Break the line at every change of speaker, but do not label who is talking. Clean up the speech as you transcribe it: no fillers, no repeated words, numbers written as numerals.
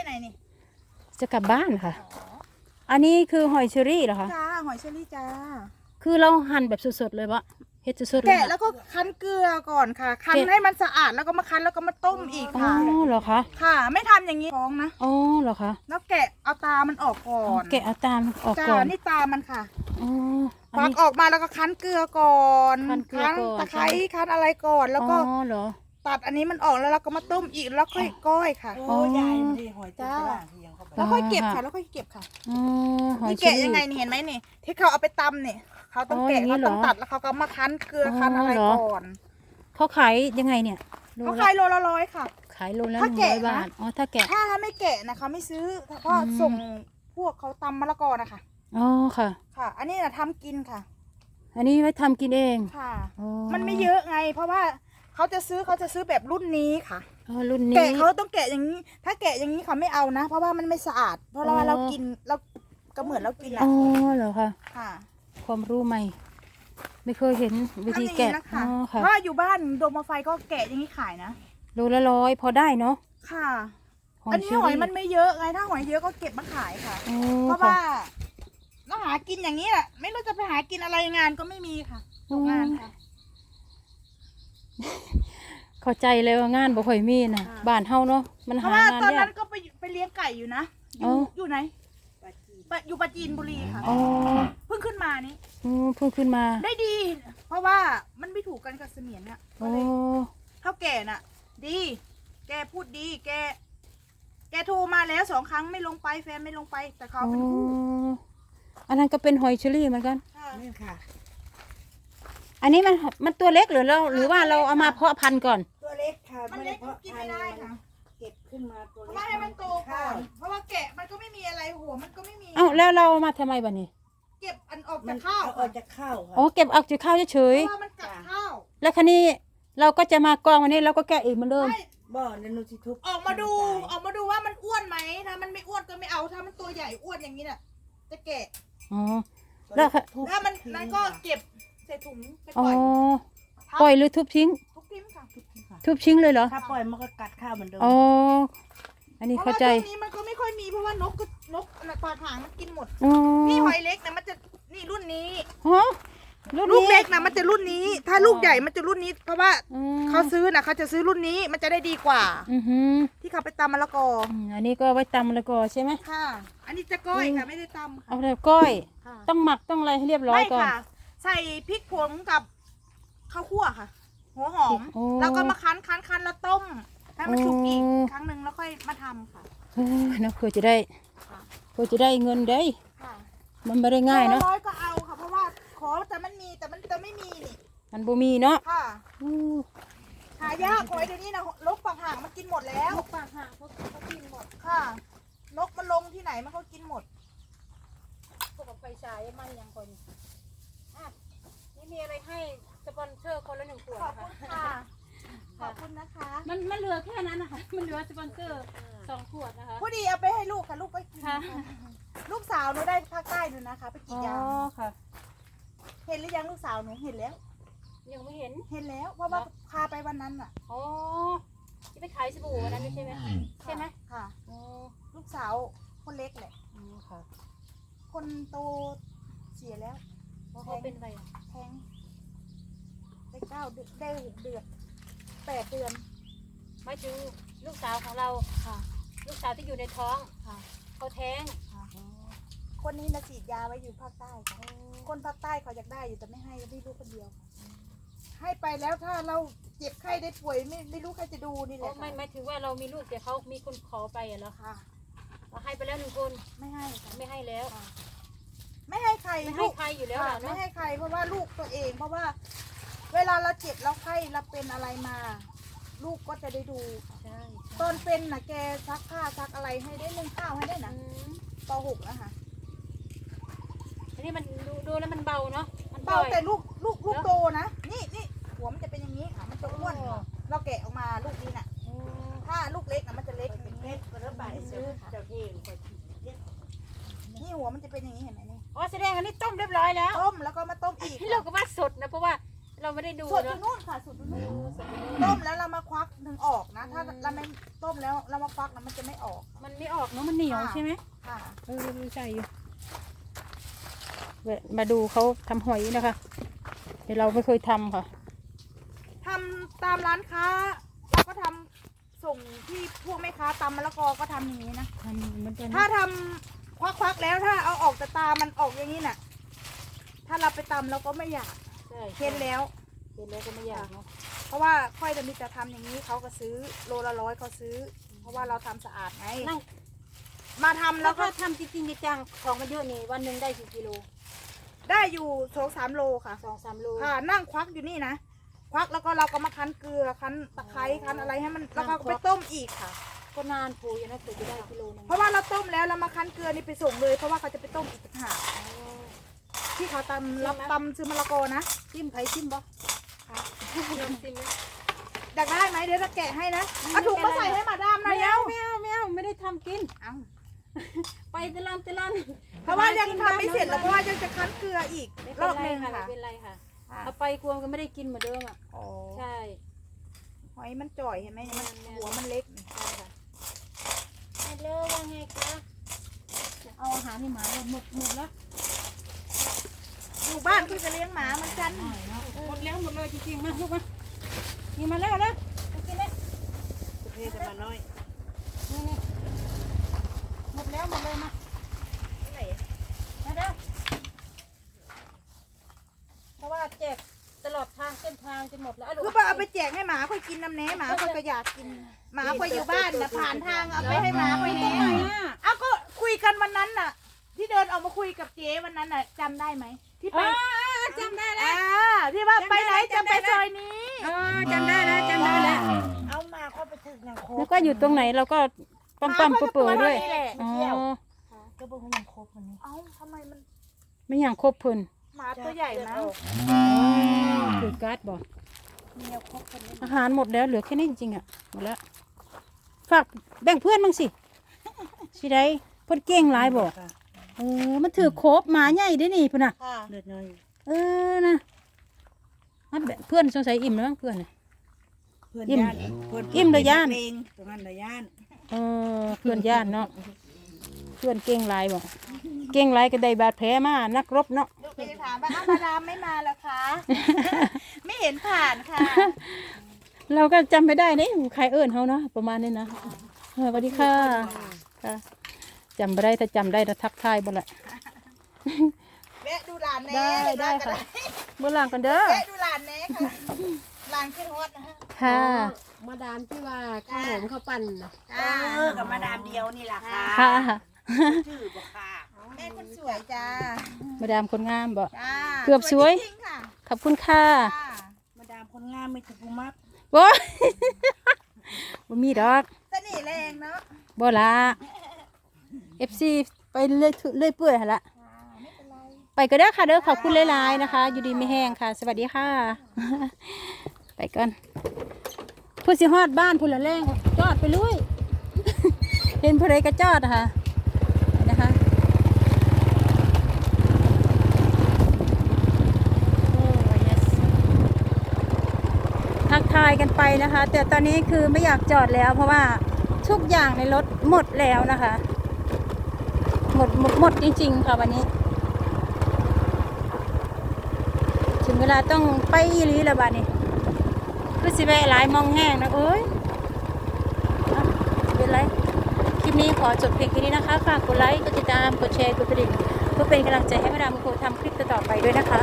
ไหนนี่
จะกลับบ้านค่ะอันนี้คือหอยเชอรี่เหรอคะ
จ้าหอยเชอรี่จ้า
คือเราหั่นแบบสดๆเลยปะเฮ็ดสดๆเลย
แกะแล้วก็คั้นเกลือก่อนค่ะคั้นให้มันสะอาดแล้วก็มาคั้นแล้วก็มาต้มอีก
อ๋อ
ค่ะ
เหรอคะ
ค่ะ ไม่ทำอย่างนี้ท้องนะ
อ๋อเหรอคะ
แล้วแกะเอาตามันออกก่อน
แกะเอาตามออก
จ้า
ก่อน
นี่ตามันค่ะ
อ๋ออัน
ฟัก
นี้
ออกมาแล้วก็คั้นเกลือก่อน
คั้นเกลือก่อน
ตะไคร้คั้นอะไรก่อนแล้วก็
อ๋อเหรอ
ตัดอันนี้มันออกแล้วเราก็มาต้มอีกแล้วค่อยก้อยค่ะ
อ๋อ
จ้าแล้วค่อยเก็บค่ะแล้วค่อยเก็บค่ะ
อ๋อหอย
นี่
เชอ
แกะ
รี่
ยังไงนี่เห็นไหมนี่ที่เขาเอาไปตำเนี่ยเขาต้อง
อ๋อ
แกะ
อย่างนี้
เขา
เหรอ
ต้องตัดแล้วเขาก็มาคั้นเกลือคั้นอะไร
อ๋อเหรอ
ก่อน
เขาขายยังไงเนี่ยโล
เขา
ละ
ขายโลละ100ค่ะ
ขายโลละ
ถ้า
100
แกะนะ
บาทอ๋อถ้าแกะ
ถ้าไม่แกะนะเขาไม่ซื้อเพราะ
อืม
ส่งพวกเขาตำมะละกอนะคะ
อ๋อค่ะ
ค่ะ อันนี้นะทำกินค่ะ
อันนี้ไว้ทำกินเอง
ค่ะ
อ๋อ
มันไม่เยอะไง เพราะว่าเขาจะซื้อแบบรุ่นนี้ค่ะ
อ๋อรุ่นนี้
แกะเขาต้องแกะอย่างนี้ ถ้าแกะอย่างนี้เขาไม่เอานะ เพราะว่ามันไม่สะอาด เพราะว่าเรากินเราก็เหมือนเรากินอะ
อ๋อเหรอคะ
ค่ะ
ความรู้ใหม่ ไม่เคยเห็นวิธี
ทำอย่าง
แกะ
นี้นะ
อ๋
คะ
อค่ะ
เพราะว่าอยู่บ้านโดมมาไฟก็แกะอย่างนี้ขายนะ
โลละ100พอได้เนาะ
ค่ะ
หอ
อั
ย
นนี้
เชอ
หอย
รี่
มันไม่เยอะไง ถ้าหอยเยอะก็เก็บมาขายค่ะ
อ๋อ
เพราะ
ค่ะ
ว่าเราหากินอย่างนี้แหละไม่รู้จะไปหากินอะไรงานก็ไม่มีค่ะตกงานค่ะ
เข้าใจเลยว่างานบ่ค่อยมีนะ
ค่ะ
บ้านเฮาเนาะมัน
เพราะ
หา
ว่าง
าน
ตอน
ยา
นั้
ก
นก็ไปเลี้ยงไก่อยู่นะอ
อ๋
ยู่
อ
อยู่ไหนอยู่ปราจีนบุรีค่ะ
อ๋อ
เพิ่งขึ้นมานี่
เพิ่งขึ้นมา
ได้ดี เพราะว่ามันไม่ถูกกันกับเสมียนเนี่ยก็
อ๋อ
เลยเท่าแก่น่ะ ดี แกพูดดี แกโทรมาแล้ว2 ครั้งไม่ลงไปแฟนไม่ลงไป แต่เขา
อ๋อ
เป็นผู้
อันนั้นก็เป็นหอยเชอรี่เหมือนกัน
ค่ะ
นี่ค่ะ
อันนี้มันตัวเล็กหรือว่าเราเอามาเพาะพันธุ์ก่อน
ตัวเล็กค่ะ
มันเล็กมันกินไม่ได้ค่ะ
เก็บขึ้นมาตัว
เพ
เล็
ราะ
ก
ว่าให้มันโตก่
ข้า
อ
วน
เพราะว่าแกะมันก็ไม่มีอะไรหัวมันก็ไม่มี
เอ้าแล้วเราเอามาทำไมบัดนี้
เก็บอันออก
มั
จาน กข้าว
เอาออกจากข้าวค่ะ
อ๋อเก็บเอาจากข้าวเฉ
เพ
ย
ราะว่ามันกัดข้าว
ๆแล้วคันนี้เราก็จะมากองวันนี้เราก็แกะอีกเหมือนเดิม
ไม่
บ่อนันนุชิทุบ
ออกมาดูว่ามันอ้วนไหมถ้ามันไม่อ้วนก็ไม่เอาถ้ามันตัวใหญ่อ้วนอย่างนี้น่ะจะแกะ
อ๋อ แล้วค่ะ
ทุบ
ถ้ามัน
ทิ้ง
นั้นก็เก็บใส่ถุงไป
อ๋
ป
อ
ล่อย
ปล่อยหรือทุบทิ้ง
ทุกทิมค่ะ
ค่ะ
ทุบทิ้งเลยเหรอ
ถ้าปล่อยมันก็กัดข้าวเหมือนเดิม
อ๋อ อันนี้
เพราะ
เข้า
ว่า
ใจ
ช่วงนี้มันก็ไม่ค่อยมีเพราะว่านกปลาหางมันกินหมด
อ๋อ
นี่หอยเล็กนะมันจะนี่รุ่นนี้
ฮะรุ่น
ลูก
นี้
เล็กนะมันจะรุ่นนี้ ถ้าลูกใหญ่มันจะรุ่นนี้ เพราะว่า
อืม
เขาซื้อนะเขาจะซื้อรุ่นนี้มันจะได้ดีกว่า
อือหือ
ที่เขาไปตำมะละกอ
อันนี้ก็ไว้ตำมะละกอใช่ไหม
ค่ะ อันนี้จะก้อยค่ะไม่ได้ตำ
เอา
ค่ะ
แบบก้อย
ค่ะ
ต้องหมักต้องอะไรให้เรียบร้อย
ไม่
ก่อน
ค่ะ ใส่พริกผงกับข้าวคั่วค่ะ หัวหอม
โอ้
แล้วก็มาคั้นแล้วต้มให้มันสุกอีก
โอ้
ครั้งหนึ่งแล้วค่อยมาทำค่ะ
เฮ้ยเนาะเพื่อจะได้
ค่ะ
เพื่อจะได้เงินได้
ค่ะ
มันไม่ได้ง่ายเนาะ
ร้อยก็เอาค่ะ เพราะว่าขอแต่มันมีแต่มันจะไม่มีนี่
มันบ่มีเนาะ
ค่ะ
อู้
หายากหอยเดี๋ยวนี้นะลกปากห่างมันกินหมดแล้ว
ปากห่างเขากินหมด
ค่ะ นกมันลงที่ไหนมันก็กินหมด
พวกกับไฟฉายมันยังคนอ่ะนี่มีอะไรให้สปอนเซอร์คนละ1 ขวด
ขอบ
นะ
คุณ
คะ
ค่ะ ขอบคุณนะคะ
มันเหลือแค่นั้นนะคะ มันเหลือสปอนเซอร์2 ขวดนะคะ
พอดีเอาไปให้ลูกค่ะ ลูกไปกิน
ค่ะ
ลูกสาวหนูได้ภาคใต้หนูนะคะ ไปกรี
อ๋
ด
อย
าง
ค่ะ
เห็นหรือยังลูกสาวหนูเห็นแล้ว
ยังไม่เห็น
เห็นแล้ว เพราะว่าพาไปวันนั้นอ่ะ
อ๋อที่ไปขายสบู่วันนั้นใช่ไหมใช่ไหม
ค่ะ
อ๋อ
ลูกสาวคนเล็กแหละ
อ๋อค่ะ
คนโตเสียแล้ว
เพราะเขาเป็นอะไรอ่ะ
แทงได้9 เดือนได้6 เดือน8 เดือน
หมายถึงลูกสาวของเรา
ค่ะ
ลูกสาวที่อยู่ในท้อง
ค่ะ
เขาแท้ง
ค่ะคนนี้นะฉีดยาไว้อยู่ภาคใต้ค่ะคนภาคใต้เขาอยากได้อยู่แต่ไม่ให้ลูกคนเดียวค่ะให้ไปแล้วถ้าเราเจ็บไข้ได้ป่วยไม่รู้ใครจะดูนี่แห
อ๋อ
ละ
ไม่หมายถึงว่าเรามีลูกแต่เขามีคนขอไปอ่ะเหรอ
ค่ะ
เราให้ไปแล้ว1 คน
ไม่ให้ค่ะ
ไม่ให้แล้ว
ไม่ให้ใคร
ไม่
ลู
ให้
ก
ใครอยู่แล้ว
ค่ะ
ล่ะ
ไม่
เนาะ
ให้ใครเพราะว่าลูกตัวเอง เพราะว่า เวลาเราเจ็บเราไข้เราเป็นอะไรมา ลูกก็จะได้ดูค่ะ
ใช่
ตอนเป็นนะแกซักผ้าซักอะไรให้ได้นึ่งข้าวให้ได้นะป .6 นะคะ
อันนี้มันดูแล้วมันเบาเนาะมัน
เบา
ปล่อย
แต่ลูกโตนะนี่หัวมันจะเป็นอย่างนี้ค่ะมันจะอ้วนเราแกะออกมาลูกนี้น่ะ
อ๋อ
ถ้าลูกเล็กนะมันจะเล็กอย่าง
เม็
นี้
ดมันระบายซื้อเจ้าที่คน
นี่หัวมันจะเป็นอย่างนี้เห็นไหมนี่
อ๋อแสดงอันนี้ต้มเรียบร้อยแล้ว
ต้มแล้วก็มาต้มอีก
เราก็ว่าสดนะเพราะว่าเราไม่ได้ดู
สูตรอยู่
เนาะ
นู่นค่ะสูตรอยู่นู่นต้มแล้วเรามาควักถึงออกนะ ถ้าเราไม่ต้มแล้วเรามาควักนะมันจะไม่ออก
มันไม่ออกเนาะมันเหนียวใช่ไหม
ค่ะ
ใช่อยู่มาดูเขาทำหอยนะคะเดี๋ยวเราไม่เคยทำค่ะ
ทำตามร้านค้าเราก็ทำส่งที่พวกแม่ค้าตำมะละกอก็ทำอย่างนี้นะ
ทำเหมือนกัน
ถ้าทำควักๆแล้วถ้าเอาออกแต่ตามันออกอย่างนี้น่ะ ถ้าเราไปตำเราก็ไม่อยาก
ใช่
เค็นแล้ว
เห็นแล้วก็ไม่อยากเนาะ
เพราะว่าค่อยจะมีแต่ทำอย่างนี้เขาก็ซื้อโลละ100เขาซื้อ เพราะว่าเราทำสะอาดไง
นั่ง
มาทำ
แล้
แล้ว ว
ก็
ก็
ทำจริงๆจังๆของมันเยอะนี่วันหนึ่งได้กี่กิโล
ได้อยู่2-3 โลค่ะ
2-3 โล
ค่ะนั่งควักอยู่นี่นะควักแล้วก็เราก็มาคั้นเกลือคั้นตะไคร้คั้นอะไรให้มันแล้วก็ไปต้มอีกค่ะ
ก็นานผูอยู่นะถึงจะได้กิโลนึง
เพราะว่าเราต้มแล้วเรามาคั้นเกลือนี่ไปส่งเลย เพราะว่าเขาจะไปต้มอีกต่างหากที่เขาตำรับตำซื้อมะละกอนะ
จิ้มไผ่จิ้มบ่
ค่ะ
จิ้มไหม
อยากได้ไหมเดี๋ยวจะแกะให้นะเอาถุงมาใส่ให้มาดามหนะ
ไม่
เร็ว
เอาไม่ได้ทำกิน
เอา
ไปตะลัน
เพราะว่ายังทำไม่เสร็จแล้วเพราะว่ายังจะคั้นเกลืออีก
ไม่
ร
เป็น
อบ
ไร
นึง
ค่ะไม่
ค่ะ
เป็นไรค่ะ
ค่ะ
เอาไปกลัวก็ไม่ได้กินเหมือนเดิมอ่ะ
อ๋อ
ใช่
หอยมันจ่อยเห็นไหมมัน
แม่นๆ
หัวมันเล็ก
ใช่ค่ะฮัลโหลว่าไงคะเอาอาหารให้หมาหมดแล้ว
อยู่บ้านคือจะเลี้ยงหมาเหมือนกัน
หมดแล้วหมดเลยจริงๆมาลูกมานี่มาแล้วนะไปกินเลย
ประเภทจะมาน้อย
นี่หมดแล้วหมดเลยมา
ไหน
มาเด้อเพราะว่าแจกตลอดทางเส้นทางจนหมดแล้ว
คือเอาไปแจกให้หมาค่อยกินน้ำแหน่หมาค่อยก็อยากกินหมาค่อยอยู่บ้านนะผ่านทางเอาไปให้หมาค่อย
ตรง
แห
ไหน
น่
อ่ะ
เอาก็คุยกันวันนั้นน่ะ ที่เดินออกมาคุยกับเจ๊วันนั้นน่ะจำได้ไหมที่ไป
จำได้แล้ว
ที่ว่าไปไหนจะไปซอยนี้
จำได้แล้วจำได้แล้ว
เอามาเข้าไปถึงอย่างโค
แล้วก็อยู่ตรงไหนเราก็ปั๊มๆเปื่อยๆด้วยอ๋อ
ก็บอกว่ายังครบวันนี้
เอ้าทำไมมัน
ไม่อย่างครบเพิ่น
หมาตัวใหญ่นะ
คือการ์ดบอก
เมียครบคนนี้
อาหารหมดแล้วเหลือแค่นี้จริงๆอ่ะหมดแล้วฝากแบ่งเพื่อนบ้างสิสิได้เพิ่นเก่งหลายบอก
ค่ะ
มันถือโคบหมาใหญ่ได้นี่พุ่นน่ะ
ค่ะ
เลือดน้อย
นะมันเพื่อนสงสัยอิ่มแล้วมั้งเพื่อนน่ะ
เพื่อน
อิ่ม
ย่านเพื่อน
อิ่มเลยย่าน
เพลงตรงนั้นเลยย่าน
เพื่อนญาติเนาะเพื่อนเก่งหลายบอกเก่งหลายก็ได้บาดแผลมานักรบเนาะ
ลูกไปถามว่าอ้าวมาดามไม่มาแล้วคะ ไม่เห็นผ่านค่ะ
เราก็จำไม่ได้นี่ใครเอิ้นเขาเนาะประมาณนี้นะสวัสดีค่ะค่ะจำไม่ได้ถ้าจำได้จะทักทายบ่ละ
แวะดูหลานแน่
ได้ค่ะเมื่อหลังกันเด้อ
แวะดูหลานแน่ค่ะหลานขึ้นฮอตนะฮะ
ค่ะ
มาดามที่ว่าข้าวหอมข้าวปั่นน่ะ
กับมาดามเดียวนี่แหละค่ะ
ค่ะ
ชื่อบอกค่ะ
แม่คนสวยจ้า
มาดามคนงามบ่
จ้า
เกือบสวย
จริงๆค่ะ
ขอบคุณค่ะ
จ้า
มาดามคนงามไม่ถูกมัก
โว้ยบ่มีดอก
เสน่ห์แรงเนาะ
บ่ละ FC ไปเรื่อยเปื่อยหั่นละ
ไม่เป็นไร
ไปก็ได้อค่ะเด้อขอบคุณหลายๆนะคะ อยู่ดีไม่แห้งค่ะ สวัสดีค่ะ ไปก่อนผู้สิฮอดบ้านผู้ละแรงจอดไปลุย เห็นผู้ใดก็จอดนะคะนะคะโอ้ yes ทักทายกันไปนะคะ แต่ตอนนี้คือไม่อยากจอดแล้ว เพราะว่าทุกอย่างในรถหมดแล้วนะคะ หมดจริงๆค่ะวันนี้ ถึงเวลาต้องไปอีหลีแล้วบ้านี้ก็สิแวะหลายมองแห้งนะเอ้ยเอาสิเป็นไรคลิปนี้ขอจบเพียงแค่นี้นะคะ ฝากกดไลค์ กดติดตาม กดแชร์ กดกระดิ่งเพื่อเป็นกำลังใจให้มาดามโคทำคลิปต่อๆไปด้วยนะคะ